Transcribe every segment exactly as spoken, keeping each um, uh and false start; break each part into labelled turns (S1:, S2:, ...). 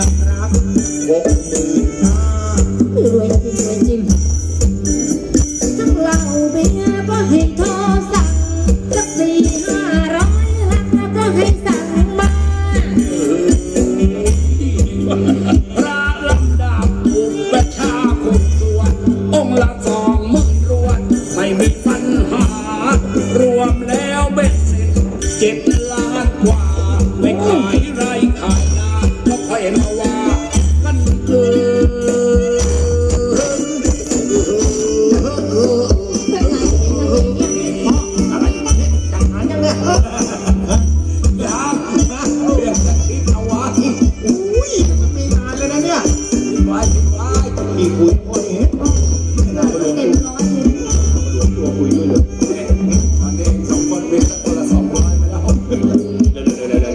S1: งรักหกหมื่นห้ารวยจริงรวยจริงทั้งเหล้าเบียร์ก็ให้โทรสั่งสักสี่ห้าร้อยลังแล้วก็ให้สั่งมาพระลำดับอุปชาคนสวดองค์ละสองหมื่นรวดไม่มีปัญหารวมแล้วเบ็ดเสร็จเจ็ดล้านกว่าไม่ขายไรขายนาก็ค่อยมาว่ากันเกินอะไรจังหาจังเลยยามเรื่องจะคิดเอาไว้อุ้ยมันมีนานเลยนะเนี่ยคิดไว้คิดไว้อีกคุยคนเห็นไม่น่าจะลงตัวคุยด้วยเลยตอนนี้สองคนเป็นคนละสองร้อยไปแล้ว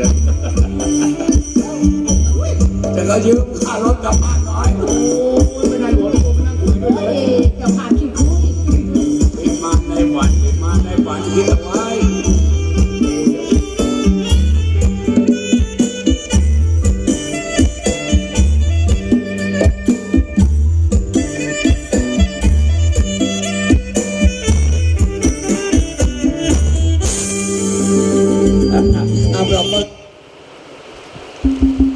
S1: จะก็ยืมค่ารถกลับบ้านหน่อยโอ้ย